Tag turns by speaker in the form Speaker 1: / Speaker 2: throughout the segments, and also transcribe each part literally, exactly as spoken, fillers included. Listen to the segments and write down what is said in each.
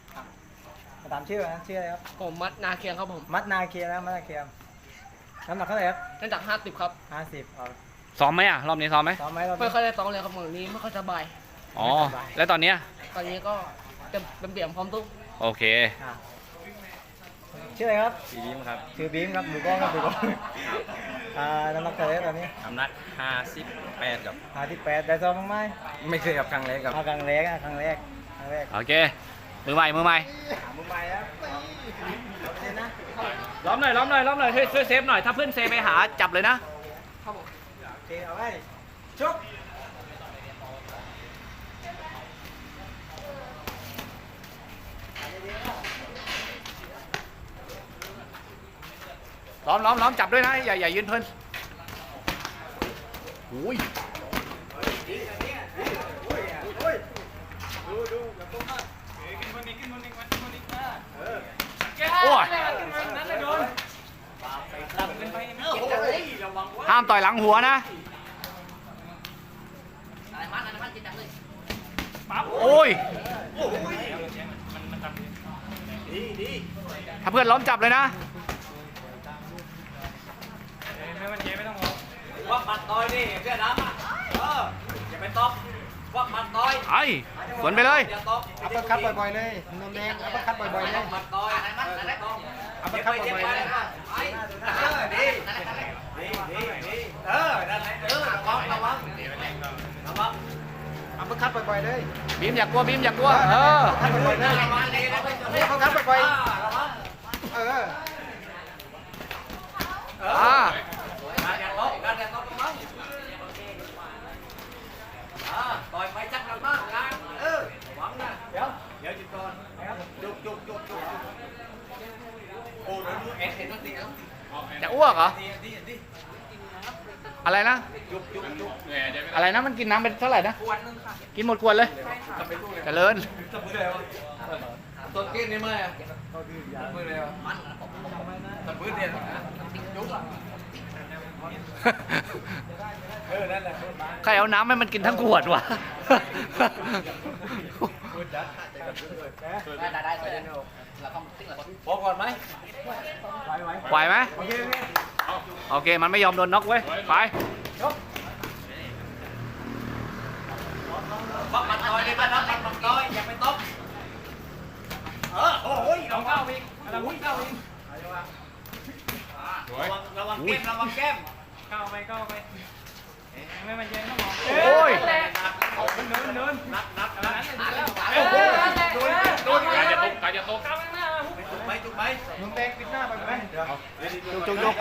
Speaker 1: มาตามชื่อนะชื่ออะไรครับ
Speaker 2: ผมมัดนาเคียงครับผม
Speaker 1: มัดนาเคียนะมัดนาเคียน้ำหนักเท่าไหร่ครับ
Speaker 2: น้ำหนักห้าสิบครับ
Speaker 1: ห้าสิบอ๋อ
Speaker 3: ซ้อมไหมอ่ะรอบนี้ซ้อมไหม
Speaker 1: ซ้อมไหมรอบ
Speaker 2: ไม่
Speaker 1: นี้
Speaker 2: ค่อยได้ซ้อมเลยครับเหมือนนี้ไม่ค่อยสบาย
Speaker 3: อ๋อแล้วตอนเนี้ย
Speaker 2: ตอนนี้ก็จะเป็นเปี่ยมพร้อมทุก
Speaker 3: โอเค
Speaker 1: ชื่ออะไรครับ
Speaker 4: ชื่อบีมครับ
Speaker 1: ชื่อบีมครับหมูก้องครับหมูก้องอ่าน้ำหนักเท่าไหร่ตอนนี้
Speaker 4: น้ำหนักห้าสิบแปดครับ
Speaker 1: ห้าสิบแปดได้ซ้อมบ้างไหม
Speaker 4: ไม่เคยกับครั้งแรกครับ
Speaker 1: ครั้งแรกครั้งแรกครั้งแรก
Speaker 3: โอเคมือใหม่มือใหม่
Speaker 1: มือใหม่ครับ
Speaker 3: ล้อมหน่อยล้อมหน่อยล้อมหน่อยช่วยเซฟหน่อยถ้าเพื่อนเซฟไปหาจับเลยนะ
Speaker 2: ครับผม
Speaker 1: โอเคเอาไว้ชุบ
Speaker 3: ล้อมล้อมล้อมจับด้วยนะอย่าอย่ายืนเพลินโอ้ยโอ้ยห้ามต่อยหลังหัวนะโอ้ยถ้าเพื่อนล้อมจับเลยนะ
Speaker 4: วักมัดต่อยนี่เพื่อนน้ำอ่ะเอออย่าไปตบวักมัดต่อย
Speaker 3: ไอ้สวนไปเลย
Speaker 4: อย่าตบ
Speaker 1: อัปเปอร์คัตบ่อยๆเลยนมแดงอัปเปอร์คัตบ่อยๆเลย
Speaker 4: มัดต่อย
Speaker 1: อัปเปอร์คัตบ่อยๆเลย
Speaker 4: ไปเออดีดีดีดีเออนั่นแหละเออระวังระวังระวัง
Speaker 1: อัปเปอร์คัตบ่อยๆเลย
Speaker 3: บีมอย่ากลัวบีมอย่ากลัวเออ
Speaker 1: คัตบ่อยๆเลยอัปเปอร์คัตบ่อยๆเออ
Speaker 3: อ่า
Speaker 4: การอย่าตบการอย่าตบตรงนั้นอ่าต่อยไปจักรมากนะเออระวังนะเดี๋ยวเดี๋ยวจุดก่อนจุกจุกจุกจุกโอ้ดูเอ็นเห็นตัวตีแล้ว
Speaker 3: จะอ้วกเหรออะไรนะ
Speaker 4: จุกจุกจุก
Speaker 3: อะไรนะมันกินน้ำเป็นเท่าไหร่นะ
Speaker 2: ขวดนึงค่ะ
Speaker 3: กินหมดขวดเลยเจริญ
Speaker 4: ตัวกินนี่มั้ยอ่ะมือเลยวะตัดมือเดียวจุกอ่ะเออนั่นแหละ
Speaker 3: ใครเอาน้ำให้มันกินทั้งขวดวะ
Speaker 2: ได้ได้ได้เลยแล้วก็ติ๊กเลย
Speaker 4: พอก่อนไหม
Speaker 3: ไหวไหมโอเคมันไม่ยอมโดนน็อกเว้ยไป
Speaker 4: วักมันต่อยเลยบ้านน้ำมันมันต่อยอย่าไปตบเออโอ้ยลองเข้าอีกลองเข้าอีกระวังระวังแก้มระวังแก้มเข้าไปเข้าไปไม่มันเย็นต้องมอง
Speaker 3: โอ้ย
Speaker 4: เนินเนินนับนับนับแล้วโดนโดนการจะตกการจะตกจุกไหมจุกไหม
Speaker 1: นมแดงปิดหน้าไปไหม
Speaker 3: จุกจุกจุก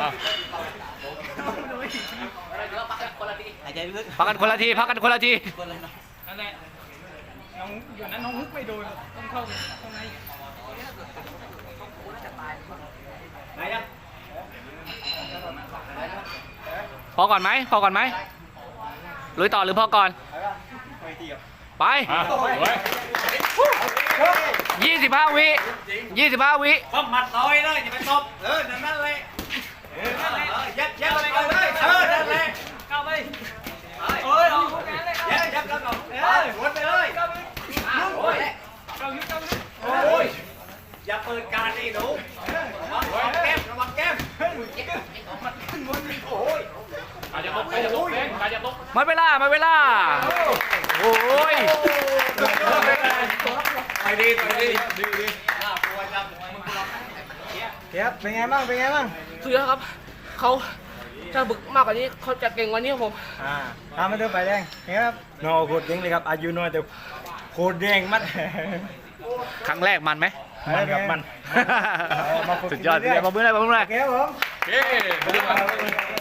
Speaker 2: พักกันคนละทีหายใจลึก
Speaker 3: พักกันคนละทีพักกันคนละที
Speaker 2: นั่นแหละน้องอยู่นั้นน้องฮุกไม่โดนต้องเข้าข้างใน
Speaker 4: ไหนอ่ะ
Speaker 3: พอก่อนไหมพอก่อนไหมลุยต่อหรือพอก่อนไปยี่สิบห้าวิยี่สิบห้าวิ
Speaker 4: วักมัดต่อยเลยอย่าไปตบเออนั่นนั่นเลยเออนั่นเลยยัดยัดไปเลยเออนั่นเลยเข้าไปโอ้ยยัดยัดแล้วก่อนเออวนไปเลยโอ้ยโอ้ยอย่าเปิดการนี่หนูระวังแก้มระวังแก้มมันขึ้นวนโอ้ยการจะตกการจะตกเองการจะตก
Speaker 3: มาเวลามาเวลาโอ้ย
Speaker 4: ไปดีไปดีดีดีน่ากลัวจังมึงกลัว
Speaker 1: เทียบเป็นไงบ้างเป็นไงบ้าง
Speaker 2: สุดยอดครับเขาถ้าบึกมากกว่านี้เขาจะเก่งกว่านี้ครับผม
Speaker 1: อ่าตามมาดูไปแดงเห็นครับโน่โคตรเด้งเลยครับอายุน้อยแต่โคตรเด้งมัด
Speaker 3: ครั้งแรกมันไหม
Speaker 1: มันครับมัน
Speaker 3: สุดยอดเลยมาเมื่อไรมาเมื่อไร
Speaker 1: โอเคครับผม
Speaker 3: โอเค